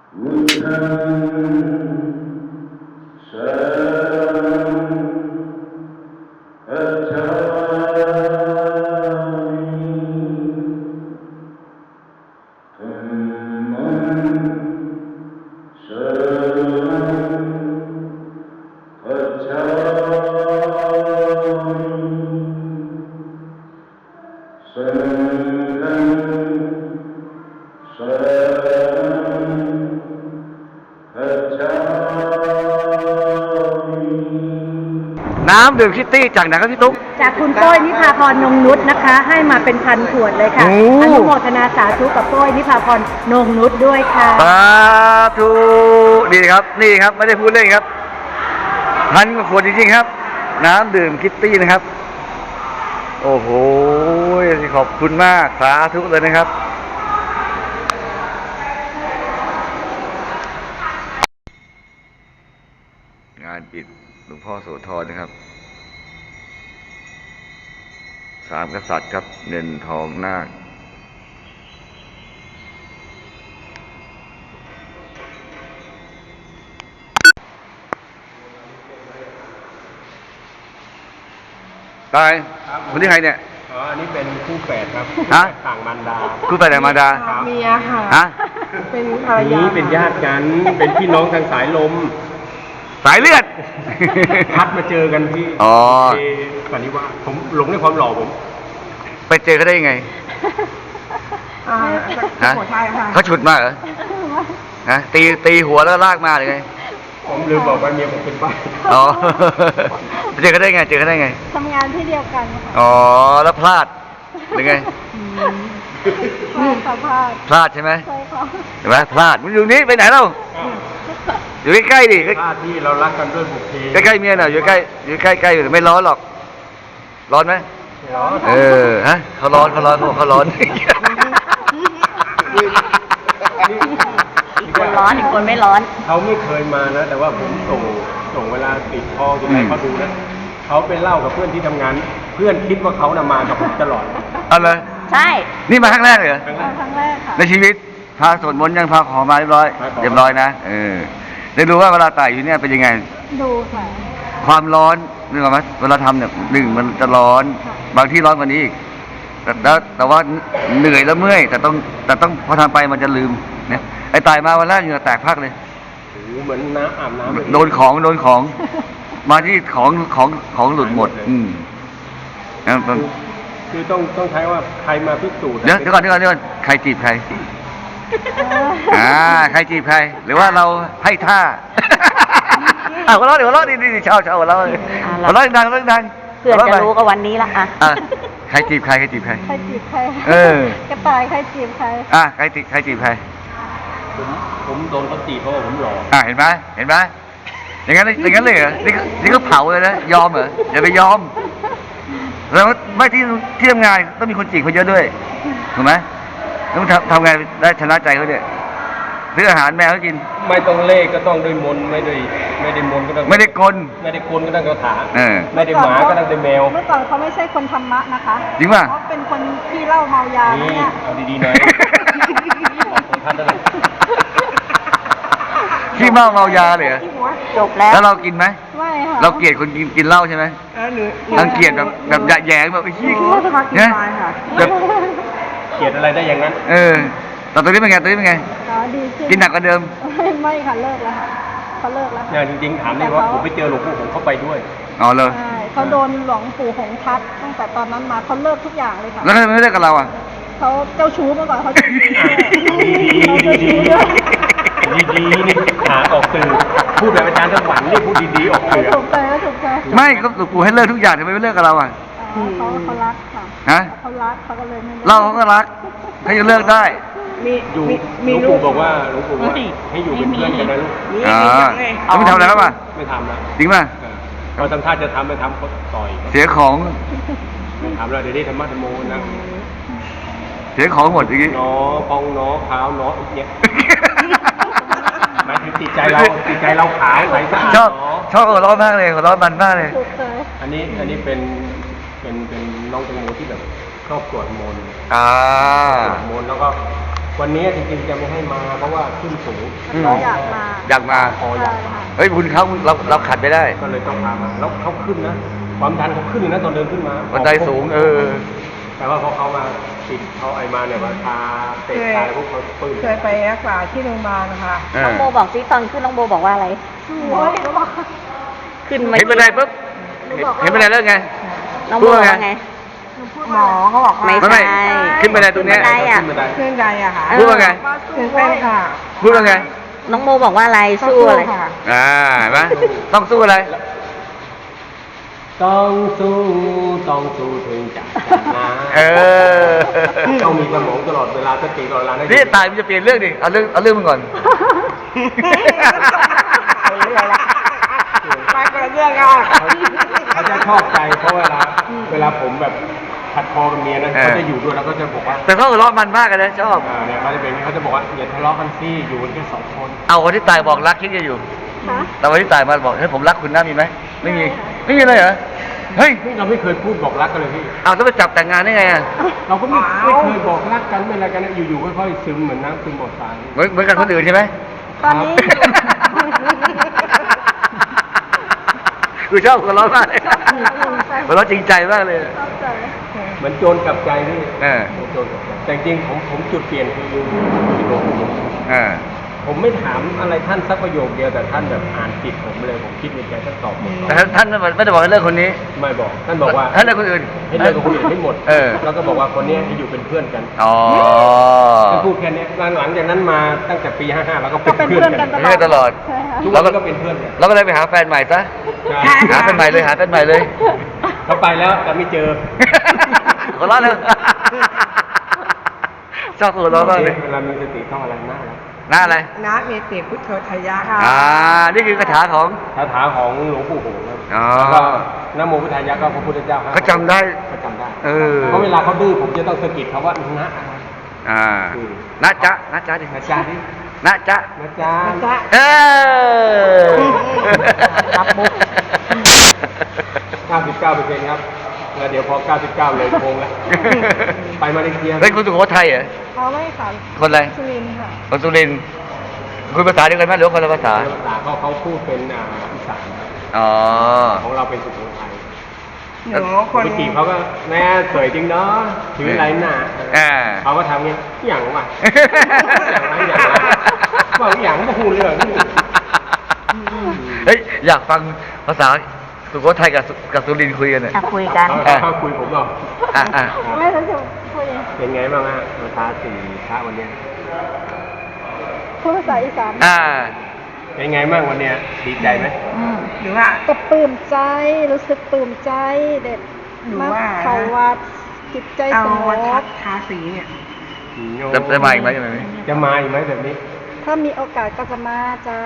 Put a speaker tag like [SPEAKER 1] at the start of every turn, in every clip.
[SPEAKER 1] น้ำดื่มคิตตี้จากไหนครับพี่ตุ๊ก
[SPEAKER 2] จากคุณโป้ยนิพาพรนงนุชนะคะให้มาเป็นพันขวดเลยค่ะอนุโมทนาสาธุกับโป้ยนิพาพรนงนุชด้วยค่ะ
[SPEAKER 1] สาธุดีครับนี่ครับไม่ได้พูดเล่นครับพันกว่าขวดจริงๆครับน้ำดื่มคิตตี้นะครับโอ้โหขอบคุณมากสาธุเลยนะครับงานปิดหลวงพ่อโสธรนะครับสามกษัตริย์ครับเงินทองนาคตายคนที่ใครเนี่ย
[SPEAKER 3] อ๋ออันนี้เป็นคู่แฝดครับต่างมารดา
[SPEAKER 1] คู่แฝดต่างมารดา
[SPEAKER 2] เมียค่ะ
[SPEAKER 1] ฮะ
[SPEAKER 2] เป็นภรรยา
[SPEAKER 3] นี้เป็นญาติกันเป็นพี่น้องทางสายลม
[SPEAKER 1] สายเลือด
[SPEAKER 3] พัดมาเจอกันที่สันนิวาสผมหลงในความหล่อผม
[SPEAKER 1] ไปเจอเขาได้ยังไงฮะเขาฉุดมาเหรอฮะตีหัวแล้วลากมาหรือไง
[SPEAKER 3] ผมลืมบอกว่าเมียผมเป็นป้า
[SPEAKER 1] อ๋อเจอเขาได้ไงเจอเขาได้ไง
[SPEAKER 2] ทำงานที่เดียวกัน
[SPEAKER 1] อ๋อแล้วพลาดหรือไงพลาดใช่ไหม
[SPEAKER 2] ใช่ค่ะ
[SPEAKER 1] เห็นไหมพลาดมึงอยู่นี่ไปไหนเล่าอยู่ใกล้ๆดิ
[SPEAKER 3] พลาดที่เรารักกันด้วยบุพเพ
[SPEAKER 1] ใกล้ๆเมียน่ะอยู่ใกล้อยู่ไม่ร้อนหรอกร้อนไหม
[SPEAKER 3] ร้อน
[SPEAKER 1] ฮะเขาร้อนเขาร้อน
[SPEAKER 2] อีกคนร้อนอีกคนไม่ร้อน
[SPEAKER 3] เขาไม่เคยมานะแต่ว่าผมส่งเวลาติดคออยู่ไหนเขาดูนะเขาไปเล่ากับเพื่อนที่ทำงานเพื่อนคิดว่าเขามากับผมตลอด
[SPEAKER 1] อะไร
[SPEAKER 2] ใช่
[SPEAKER 1] นี่มาครั้งแรกเลยเหรอ
[SPEAKER 2] ครั้งแรกค่ะ
[SPEAKER 1] ในชีวิตพาสวดมนต์ยังพาขอมาเรียบร้อยนะได้ดูว่าเวลาไต่อยู่เนี่ยเป็นยังไง
[SPEAKER 2] ดูค่ะ
[SPEAKER 1] ความร้อนนึกออกไหมเวลาทำเนี่ยหนึ่งมันจะร้อนบางที่ร้อนกว่านี้อีกแต่ว่าเหนื่อยแล้วเมื่อยแต่ต้องพอทำไปมันจะลืมเนี่ยไอ้ตายมาวันแรกเหงื่อแตกพักเลย
[SPEAKER 3] เหมือนน้ำอาบน้ำ
[SPEAKER 1] โดนของมาที่ของหลุดหมด
[SPEAKER 3] คือต้องใช้ว่าใครมาพิสูจน์
[SPEAKER 1] เดี๋ยวก่อนใครจีบใครใครจีบใครหรือว่าเราให้ท่าหัวเราะดีชอบหัวเราะดังเ
[SPEAKER 2] เพื่อนจะรู้ก็วันนี้ละ
[SPEAKER 1] ใครจีบใคร
[SPEAKER 2] ใครจีบใครกระต่ายใครจีบใคร
[SPEAKER 1] ใครจีบใคร
[SPEAKER 3] ผมโดนเขาจีบเพราะว่าผมหล่อ
[SPEAKER 1] เห็นไหมอย่างนั้นเลยเหรอนี่ก็เผาเลยนะยอมเหรออย่าไปยอมแล้วไม่ที่ทำงานต้องมีคนจีบเขาเยอะด้วยถูกไหมต้องทำไงได้ชนะใจเขาเนี่ยซื้ออาหารแมวให้กิน
[SPEAKER 3] ไม่ต้องเล่ก็ต้องด้วยมนไม่ได้มนก็ต้อง
[SPEAKER 1] ไม่ได้กล
[SPEAKER 3] ก็ต้องกระถาไม่ได้หมาก็ต้องด้วยแมว
[SPEAKER 2] เมื่อก่อนเขาไม่ใช่คนธรรมะนะคะ
[SPEAKER 1] จริงป่ะ
[SPEAKER 2] เขาเป็นคนที่เล่าเมายาเนี่ย
[SPEAKER 3] เอาดีๆหน่อยของท่านนั่นแหละ
[SPEAKER 1] ขี้เมายาเลย
[SPEAKER 2] จบแล้ว
[SPEAKER 1] เรากินไหม
[SPEAKER 2] ไม่ค่ะ
[SPEAKER 1] เราเกลียดคนกินเหล้าใช่ไหมรังเกียจแบบแย่แบบไอ้ขี้
[SPEAKER 2] เนี่ย
[SPEAKER 1] แบบ
[SPEAKER 3] เกลียดอะไรได้อย่างนั้น
[SPEAKER 1] แต่ตัวนี้เป็นไงดีกินหนักกว่าเดิม
[SPEAKER 2] ไม่ค่ะเลิกแล้วค่ะเขาเลิกแล้ว
[SPEAKER 3] เนี่ยจริงๆถามเลยว่าผมไปเจอหลวงปู่ผมเข้าไปด้วย
[SPEAKER 1] เลย
[SPEAKER 2] ใช่เขาโดนหลวงปู่หงทัดตั้งแต่ตอนนั้นมาเขาเลิกทุกอย่างเลยค่ะ
[SPEAKER 1] แล้วทำไมไม่เลิกกับเรา
[SPEAKER 2] เขาเจ้าชู้เมื่อก่อนเขาเจ้าชู้
[SPEAKER 3] ดีนี่หาออกสื่อพูดแบบอาจารย์สวรรค์นี่พูดดีๆออกสื่อ
[SPEAKER 2] ถูกใจ
[SPEAKER 1] ไม่ก็หลวงปู่ให้เลิกทุกอย่างทำไมไม่เลิกกับเรา
[SPEAKER 2] เขารักค่ะเขารักเขาก็เลยไม่เลิก
[SPEAKER 1] เราก็รักเขาจะเลิกได้
[SPEAKER 3] มีลูกบอกว่าหลวงปู่ว่าให้อยู่เป็นเพื่อนกันนะลูก
[SPEAKER 1] ไม่ทำอะไรแล้วป่ะ
[SPEAKER 3] ไม่ทำแล้ว
[SPEAKER 1] จริงป่ะ
[SPEAKER 3] พอทำท่าจะทำไม่ทำเขาต่อย
[SPEAKER 1] เสียของ
[SPEAKER 3] ไม่ทำแล้วเดี๋ยวนี้ธรรมะธรรมโมนะ
[SPEAKER 1] เสียของหมดอย่างนี้
[SPEAKER 3] น้อพองน้อขาวน้อเนี่ยหมายถึงจิตใจเราขาวใสสะอาด
[SPEAKER 1] ชอบหัวเราะมากเลยหัวเราะมันมากเลย
[SPEAKER 3] อันนี้เป็นน้องแตงโมที่แบบชอบสวดมนต์สวดมนต์แล้วก็วันนี้จริงๆจะไม่ให้มาเพราะว่าขึ้นสูง
[SPEAKER 1] อืม
[SPEAKER 3] น้ง
[SPEAKER 2] อยากมา
[SPEAKER 1] อยากมา
[SPEAKER 3] คออยากมา
[SPEAKER 1] เฮ้ยคุณเขาเราขัดไปได้
[SPEAKER 3] ก็เลยต้องพามาแล้วเขาขึ้นนะความดันเขาขึ้นเลยนะตอนเดินขึ้นมา
[SPEAKER 1] บันไดสูง
[SPEAKER 3] แต่ว่าพอเขามาติดเขาไอมาเนี่ยมาทาเตะตายพวกเขาปึ้ง
[SPEAKER 4] เคยไปรักษาที่โรงพยาบาลนะคะ
[SPEAKER 2] น้องโบบอกซิตอนขึ้นน้องโบบอกว่าอะไร
[SPEAKER 4] โอ้ย
[SPEAKER 2] ขึ้นมา
[SPEAKER 1] เห็นบันไดปุ๊บเห็นบันไดแล้วไง
[SPEAKER 2] น้องโบบอกว่าไง
[SPEAKER 4] หมอเขาบอกว่า
[SPEAKER 2] ไม่
[SPEAKER 1] ไม่
[SPEAKER 2] ใช่
[SPEAKER 1] ขึ้นบันไดตรงเนี้ย
[SPEAKER 2] ขึ้นบันไดอะ
[SPEAKER 3] ขึ้นบันได
[SPEAKER 4] เครื่องใดอะค่ะ
[SPEAKER 1] พูดว่าไง
[SPEAKER 4] ตื่นเต้นค่ะ
[SPEAKER 1] พูดว่าไง
[SPEAKER 2] น้องโบบอกว่าอะไรสู้อะไร
[SPEAKER 4] ค่ะ
[SPEAKER 1] เห็นไหมต้องสู้อะไร
[SPEAKER 3] ต้องสู้ถึงจะชนะ ต้องมีสมองตลอดเวลาสติตลอดเวลานะ
[SPEAKER 1] นี่ตายมันจะเปลี่ยนเรื่องดิเอาเรื่องมันก่อน
[SPEAKER 4] ไปคนละเรื่องอ่ะ
[SPEAKER 3] เขาจะชอบใจเพราะเวลาผมแบบขัดคอกับเมียนะเขาจะอยู่ด้วยแล้วก็จะบอกว่า
[SPEAKER 1] แต่เขาหัวเราะมันมากเลยนะชอบ
[SPEAKER 3] เนี่ยเขาจะเป็นอย่างนี้เขาจะบอกว่าอย่าทะเลาะกันสิอยู่กันแค่สองคน
[SPEAKER 1] เอาวันที่ตายบอกรักคิดจะอยู่ แต่วันที่ตายมาบอกเฮ้ยผมรักคุณนะมีไหมไม่มีเลยเหรอเฮ้ย
[SPEAKER 3] นี่เราไม่เคยพูดบอกรักกันเลยพี่
[SPEAKER 1] เอาต้องไปจับแต่งงานได้ไงอ่ะ
[SPEAKER 3] เราก็ไม่เคยบอกรักกันไม่อะไรกันนะอยู่ๆค่อยๆซึมเหมือนน้ำซึมบ่อทราย
[SPEAKER 1] เหมือนกันคนอื่นใช่ไหม
[SPEAKER 2] ตอนนี้
[SPEAKER 1] คือชอบหัวเราะมากเลยหัวเราะจริงใจมากเลย
[SPEAKER 3] เหมือนโจรกลับใจพี่
[SPEAKER 1] เออ
[SPEAKER 3] โจรกลับใจแต่จริงๆผมจุดเปลี่ยนคือที่โลก ผมไม่ถามอะไรท่านสักประโยคเดียวแต่ท่านแบบอ่านจิตผมเลยผมคิดในใจท่านตอบหมด
[SPEAKER 1] แต่ท่านไม่ได้บอกให้เลิกคนนี้
[SPEAKER 3] ไม่บอกท่านบอกว่า
[SPEAKER 1] ท่านเลิกคนอื่น
[SPEAKER 3] ให้เลิกกับคนอื่นให้หมด
[SPEAKER 1] อ
[SPEAKER 3] แล้วก็บอกว่าคนนี้ให้อยู่เป็นเพื่อนกัน
[SPEAKER 1] อ๋อ
[SPEAKER 3] ท่านพูดแค่นี้หลังจากนั้นมาตั้งแต่ปี 55แล้วก็
[SPEAKER 2] ก็เป็นเพื่อนกัน
[SPEAKER 1] เพื่อนตลอด
[SPEAKER 3] ทุกวันก็เป็นเพื่อนกัน
[SPEAKER 1] เราก็เลยไปหาแฟนใหม่ซะ
[SPEAKER 3] ใช่
[SPEAKER 1] หาแฟนใหม่เลยหาแฟนใหม่เลย
[SPEAKER 3] เขาไปแล้วแต่ไม่เจอ
[SPEAKER 1] หัวเราะเลยชอบหัวเราะมากเลย
[SPEAKER 3] เวลามีสติต้องอะไรหน้าแล้ว
[SPEAKER 1] หน้าอะไร
[SPEAKER 4] นะเมติพุทโธทยะค่ะ
[SPEAKER 1] นี่คือคาถาของ
[SPEAKER 3] คาถาของหลวงปู่โหงครับ
[SPEAKER 1] อ๋อ
[SPEAKER 3] แล้วก็นะโมพุทธายะก็พระพุทธเจ้าครับ
[SPEAKER 1] เขาจำได้
[SPEAKER 3] เขาจำได้
[SPEAKER 1] เออ
[SPEAKER 3] เพราะเวลาเขาดื้อผมจะต้องสะกิดเขาว่านะอะไร
[SPEAKER 1] นะจ๊ะดิ
[SPEAKER 3] นะจ๊ะดิ
[SPEAKER 1] นะจ๊ะ
[SPEAKER 3] นะจ๊ะ
[SPEAKER 4] จ๊ะ
[SPEAKER 1] เออ
[SPEAKER 3] ครับมุก 99%ครับแล้วเดี๋ยวพอ 99 เลยโค้งแล้ว ไปมาเลเซีย
[SPEAKER 1] เฮ้ยคุณสุโขทัยเหรอ
[SPEAKER 4] เขาไม่ค่ะ
[SPEAKER 1] คนอะไร
[SPEAKER 4] สุรินทร์ค่ะ
[SPEAKER 1] คนสุรินทร์คุยภาษาเดียวกันไหมหรือว่าคนละภาษา
[SPEAKER 3] ภาษาเขาพูดเป็นอีสาน
[SPEAKER 1] อ๋อ
[SPEAKER 3] ของเราเป็นสุโขทัย
[SPEAKER 4] หนูคน
[SPEAKER 3] ไปจีบเขาก็แม่สวยจริงเนาะถืออะไรหน้า เขาก็ทำเงี้ยอย่างวะอย่างวะว่าอย่างไม่พูดเลย
[SPEAKER 1] เฮ้ยอยากฟังภาษาสุโขทัยกับสุรินทร์คุยกันเนี่ย
[SPEAKER 2] อ่ะคุยกัน
[SPEAKER 3] เขาคุยผมหรอ
[SPEAKER 1] อ่ะ
[SPEAKER 4] ไม่รู้จะพูดยังไง
[SPEAKER 3] เป็นไงบ้างฮะภาษาสี่พระวันเนี้ย
[SPEAKER 4] พูดภาษาอีสาน
[SPEAKER 3] เป็นไงบ้างวันเนี้ยดีใจไหม
[SPEAKER 4] หรือว่า
[SPEAKER 5] ก็ปลื้มใจรู้สึกปลื้มใจเด็ด
[SPEAKER 4] หนู
[SPEAKER 5] มา
[SPEAKER 4] ว่า
[SPEAKER 5] เขาวัดจิตใจ
[SPEAKER 4] เอา
[SPEAKER 5] สง
[SPEAKER 4] วั
[SPEAKER 5] บ
[SPEAKER 4] ดทาสีเนี่ย
[SPEAKER 1] จะมาอีกไหมจะมาอีกไหม
[SPEAKER 3] จะมาอีกไหมแบบนี้
[SPEAKER 5] ถ้ามีโอกาสก็จะมาจ้า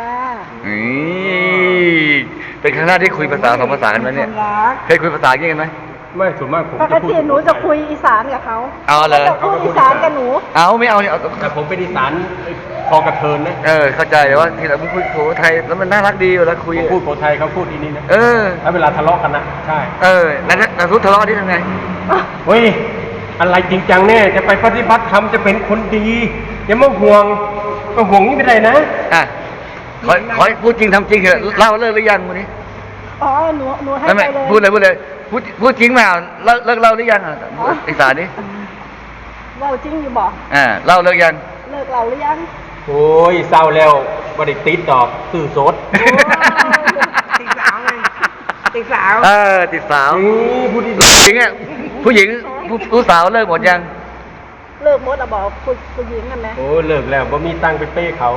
[SPEAKER 1] นี่เป็นครั้งแรกที่คุยภาษาสองภาษากันไหมเนี่ย
[SPEAKER 4] คนรัก
[SPEAKER 1] เคยคุยภาษาอย่างนี้กันไหม
[SPEAKER 3] ไม่ส่วนมากผม
[SPEAKER 5] ปก
[SPEAKER 3] จะพูด
[SPEAKER 5] ติหนูจะคุยอีสานกับเขา
[SPEAKER 1] เอาเลย
[SPEAKER 5] จะพูดอีสานกับหนู
[SPEAKER 1] เอาไม่เอาเนี่ย
[SPEAKER 3] แต่ผมเป็นอีสานพอกระเทินนะ
[SPEAKER 1] เข้าใจแต่ว่าทีหลังมึงคุยโขทัยแล้วมันน่ารักดีเวลาคุย
[SPEAKER 3] ผมพูดโขไทยเขาพูดที่นี่นะ
[SPEAKER 1] เออ
[SPEAKER 3] แล้วเวลาทะเลาะกันนะใช่
[SPEAKER 1] แล้วทุกทะเลาะที่ทำไง
[SPEAKER 3] เฮ้ยอะไรจริงจังเนี่ยจะไปปฏิบัติธรรมจะเป็นคนดีอย่ามาห่วงนี่ไม่ได้นะ
[SPEAKER 1] ขอให้พูดจริงทำจริงเถอะเล่าเลิกหรือยังวันนี้
[SPEAKER 5] อ๋อหนูให้
[SPEAKER 1] ไม่
[SPEAKER 5] ไปเลย
[SPEAKER 1] พูดเลยพูดจริงมาเลิกเล่าหรือยังอีสานนี่
[SPEAKER 5] เล่าจริงอยู่บอก
[SPEAKER 1] เล่าเลิกยัง
[SPEAKER 5] เลิกเราหรือยัง
[SPEAKER 3] โอ้ยเศร้าแล้วบริติดดอกสื่อสด
[SPEAKER 4] ติดสาวไงติดสาว
[SPEAKER 1] ติดสาว
[SPEAKER 3] นี่พูดดี
[SPEAKER 1] ผู้หญิงผู้สาวเลิกหมดยัง
[SPEAKER 5] เลิกหมดอะบอกผู้หญิงกันไหม
[SPEAKER 3] โอ้เลิกแล้วบ่มีตังค์ไปเป้เขา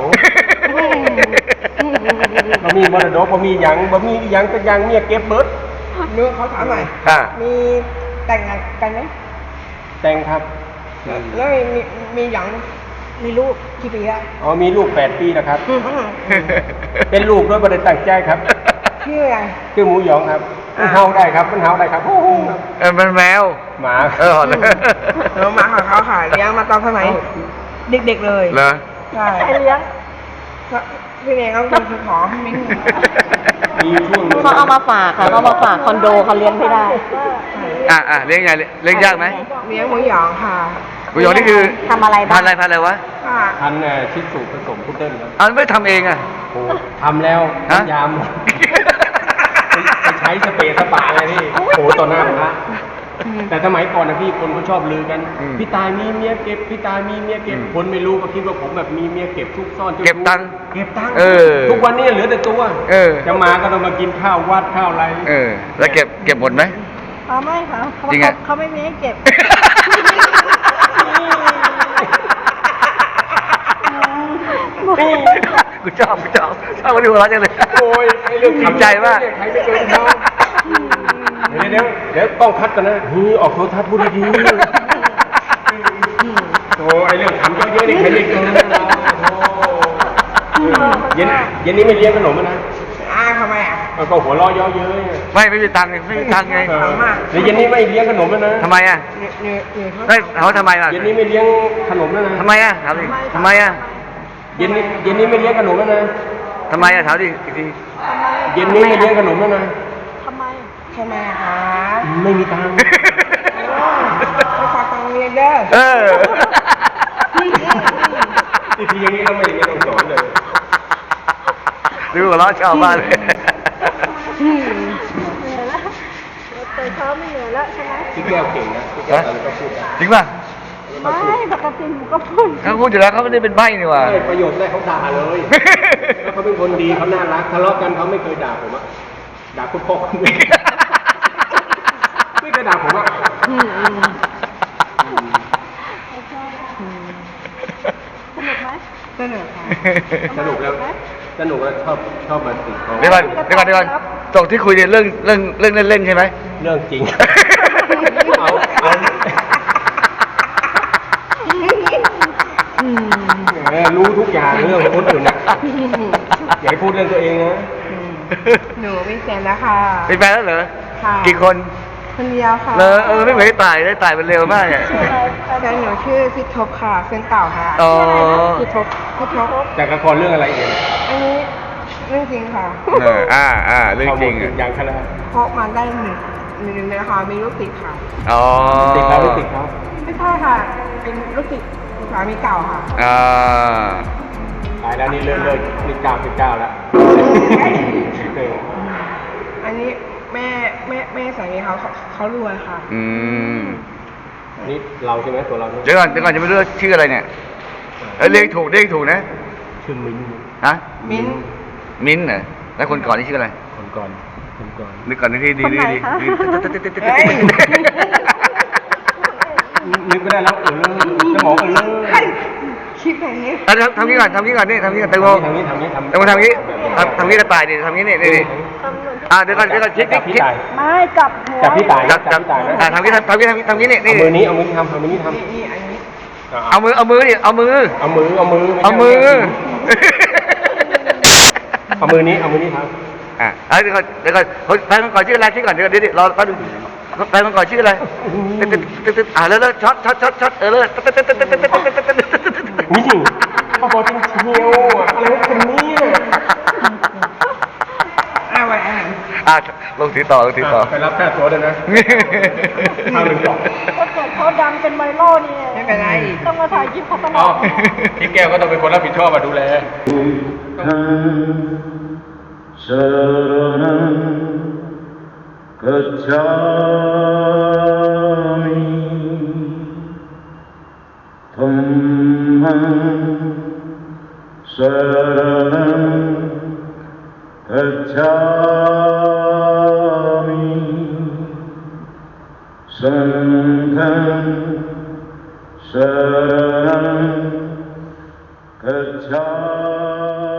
[SPEAKER 3] บ่มีมรดกบ่มีหยังสักอย่างเมียเก็บเบิด
[SPEAKER 4] นึกเขาถามหน่อย มีแต่งงานกันไหม
[SPEAKER 3] แต่งครับ
[SPEAKER 4] แล้วมีหยังมีลูกกี่ปีอะ
[SPEAKER 3] อ๋อมีลูก8 ปีนะครับ เป็นลูกด้วยบ่ได้ตั้งใจครับ
[SPEAKER 4] ชื่ออะไร
[SPEAKER 3] ชื่อหมูหยองครับมันเฮาได้ครับมันเฮาได้ครับโอ้โห
[SPEAKER 1] มันแมว
[SPEAKER 3] หมา
[SPEAKER 4] เรามาของเขาค่ะเลี้ยงมาตอนสมัยเด็กๆเลย
[SPEAKER 1] เหรอ
[SPEAKER 4] ใช่
[SPEAKER 5] ใครเลี้ยง
[SPEAKER 4] พี่เองเขาคือขอมิ้ง
[SPEAKER 3] มีช่วงหนึ่ง
[SPEAKER 2] เขาเอามาฝากค่ะเขามาฝากคอนโดเขาเลี้ยงไม่ได้
[SPEAKER 1] เลี้ยงไงเลี้ยงยากไหม
[SPEAKER 4] เลี้ยงหมูหยองค่ะ
[SPEAKER 1] หมูหยองนี่คือ
[SPEAKER 2] ทำอะไรบ้าง
[SPEAKER 1] พันอะไรวะ
[SPEAKER 4] ค่ะ
[SPEAKER 3] พันชิสุผสมพุดเดิ้ลครับ
[SPEAKER 1] อันไม่ทำเองอ่ะ
[SPEAKER 3] โอ้ทำแล้ว
[SPEAKER 1] ฮะ
[SPEAKER 3] น้ำยามไปใช้สเปรย์สปาอะไรพี่โอ้โหต่อหน้าพระแต่สมัยก่อนนะพี่คนเขาชอบลือกัน พี่ตายมีเมียเก็บพี่ตายมีเมียเก็บคนไม่รู้ก็คิดว่าผมแบบมีเมียเก็บซุกซ่อนจ้าชู้
[SPEAKER 1] เก็บตังค์
[SPEAKER 3] เก็บตังค์
[SPEAKER 1] เออ
[SPEAKER 3] ทุกวันนี้เหลือแต่ตัว
[SPEAKER 1] เออ
[SPEAKER 3] จะมาก็ต้องมากินข้าววัดข้าวอะไร
[SPEAKER 1] แล้วเก็บหมดไหม
[SPEAKER 5] ไม่ค่ะเขา
[SPEAKER 1] จริงอะ
[SPEAKER 5] เขาไม่มีให้เก็บ
[SPEAKER 1] กูชอบวันนี้หัวเราะจังเลย
[SPEAKER 3] โอ้ยไอ้เรื่อง
[SPEAKER 1] จริงใจมาก
[SPEAKER 3] ใครไม่เคยทำเดี๋ยวต้องคัดกันนะออกโทรทัศน์พูดดีๆโอ้ไอ้เรื่องทำเยอะๆนี่ใครไม่เกินเย็นนี้ไม่เลี้ยงขนมนะ
[SPEAKER 4] ทำไมอ่ะ
[SPEAKER 3] ก็หัวเราะเยอะเย้ย
[SPEAKER 1] ไม่มีตังค์ไง
[SPEAKER 3] เดี๋ยวเย็นนี้ไม่เลี้ยงขนมแล้วนะ
[SPEAKER 1] ทำไมอ่ะ
[SPEAKER 4] เนี่ยเขา
[SPEAKER 1] เขาทำไมล่ะ
[SPEAKER 3] เย็นนี้ไม่เลี้ยงขนมแล้วนะ
[SPEAKER 1] ทำไมอ่ะถามดิทำไมอ่ะ
[SPEAKER 3] เย็นนี้ไม่เลี้ยงขนมแล้วนะ
[SPEAKER 1] ทำไมอ่ะถามดิอีกที
[SPEAKER 3] เย็นนี้ไม่เลี้ยงขนมแล้วนะ
[SPEAKER 5] ทำไม
[SPEAKER 4] ทำไมอะคะ
[SPEAKER 3] ไม่มีตังค์
[SPEAKER 4] ไปฝากตังค์เรียนเด้อ
[SPEAKER 1] เออ
[SPEAKER 3] ทีอย่างนี้เราไม่ต้องสอนเลย
[SPEAKER 1] ดูหัวเราะชอบมากเลย
[SPEAKER 5] เหนื่อยแล้วแต่เช้าไม่เหนื่อยแล้วใช่ไหม
[SPEAKER 3] พี่แก้วเก่งนะพี่แก้วตอนนี้ก็พูดได้
[SPEAKER 1] จริงป่ะ
[SPEAKER 5] ไม่ปกติหนูก็พูด
[SPEAKER 1] เขาพูดอยู่แล้วเขาไม่ได้เป็นใบ้นี่หว่า
[SPEAKER 3] ได้ประโยชน์ได้เขาด่าเลยแล้วเขาเป็นคนดีเขาน่ารักทะเลาะกันเขาไม่เคยด่าผมอะด่าคุณพ่อคุณแม่ไม่เคยด่าผมอะ
[SPEAKER 5] สนุกไหม
[SPEAKER 4] เสนอค่ะ
[SPEAKER 3] สนุกแล้วชอบมาติเขา
[SPEAKER 1] เดี๋ยวก่อนตกที่คุยเนี่ยเรื่องเล่นๆใช่ไหม
[SPEAKER 3] เรื่องจริงเอา รู้ทุกอย่างเรื่องคนอื่นนะอย่าให้พูดเรื่องตัวเองนะ
[SPEAKER 4] หนูมีแฟนแล้วค่ะ
[SPEAKER 1] เป็นแฟนแล้วเหรอ
[SPEAKER 4] ค่ะ
[SPEAKER 1] กี่คน
[SPEAKER 4] คนเดียวค่ะ
[SPEAKER 1] ไม่เหมือนตายได้ตายมันเร็วมากเนี่ย
[SPEAKER 5] ชื่ออะไร
[SPEAKER 4] แฟนหนูชื่อพิทบค่ะเส้นเต่าค่ะ
[SPEAKER 1] อ๋อ
[SPEAKER 4] พิทบ
[SPEAKER 3] จากละครเรื่องอะไรเอง
[SPEAKER 4] อันนี้เรื่องจริงค่ะ
[SPEAKER 1] เรื่องจริง
[SPEAKER 3] ข้อมูลอย่างขนาด
[SPEAKER 4] เพราะมันได้หนึ่งเลยนะคะมีลูกติดค่ะ
[SPEAKER 1] อ๋อ
[SPEAKER 3] ติดแล้วไม่ติดเขา
[SPEAKER 4] ไม่ใช่ค่ะ เป็นลูกติดสามีเก่าค่ะ
[SPEAKER 1] อ่า
[SPEAKER 3] ตายแล้วนี่เลิกนี่99แล้ว
[SPEAKER 4] อันนี้แม่สามีเขารวยค่ะ
[SPEAKER 1] อืม
[SPEAKER 3] นี่เราใช่ไหมตัวเราใช่ไหม
[SPEAKER 1] เดี๋ยวก่อนจะไม่รู้ว่าชื่ออะไรเนี่ยเรียกถูกนะ
[SPEAKER 3] ชื่อมิ้น
[SPEAKER 1] ฮะ
[SPEAKER 4] มิ้น
[SPEAKER 1] มิ้นท์เหรอแล้วคนก่อนนี่ชื่ออะไร
[SPEAKER 3] คนก่อน
[SPEAKER 1] นึกก่อนนึกที่ดี
[SPEAKER 5] คนไหนคะ
[SPEAKER 3] นึกไม่ได้แล้วสมองเลิก
[SPEAKER 4] คิดแบบนี้
[SPEAKER 1] ทำนี้ก่อนนี่ทำนี้ก่อนแตงโม
[SPEAKER 3] ทำนี้
[SPEAKER 1] ทำนี้กระต่ายดิทำนี้นี่
[SPEAKER 5] ทำเหมือน
[SPEAKER 1] เดี๋ยวก่อนคิด
[SPEAKER 3] พี่ตาย
[SPEAKER 5] ไม่กลับหัว
[SPEAKER 3] จับพี่ตาย
[SPEAKER 1] จับทำนี้นี่
[SPEAKER 3] เอามือนี้เอามือนี้ทำอันนี้
[SPEAKER 4] นี่อันนี้
[SPEAKER 1] เอามือดิเอามือ
[SPEAKER 3] เอามือ
[SPEAKER 1] เอามือ
[SPEAKER 3] เอามือนี้ทำ
[SPEAKER 1] เดี๋ยวก่อนแฟนคนก่อนชื่ออะไรชื่อก่อนเดี๋ยวรอแป๊บนึงแฟนคนก่อนชื่ออะไรแล้วช็อตเลย
[SPEAKER 3] นี่พ่อบอกจริงเชียวอะไรคนนี้
[SPEAKER 4] ไว้
[SPEAKER 1] ลงถือต่อ
[SPEAKER 3] ไปรับค่าตัวด้วยนะข้าวหนึ่งกล่อง
[SPEAKER 5] ถ้าเกิดเขาดังเป็นไวรัลนี่
[SPEAKER 4] ไม่เป็นไร
[SPEAKER 5] ต้องมาถ่ายคลิปเขาตล
[SPEAKER 3] อ๋
[SPEAKER 5] อ
[SPEAKER 3] อ
[SPEAKER 5] ด
[SPEAKER 3] พี่แก้วก็ต้องเป็นคนรับผิดชอบมาดูแล
[SPEAKER 1] Gacchami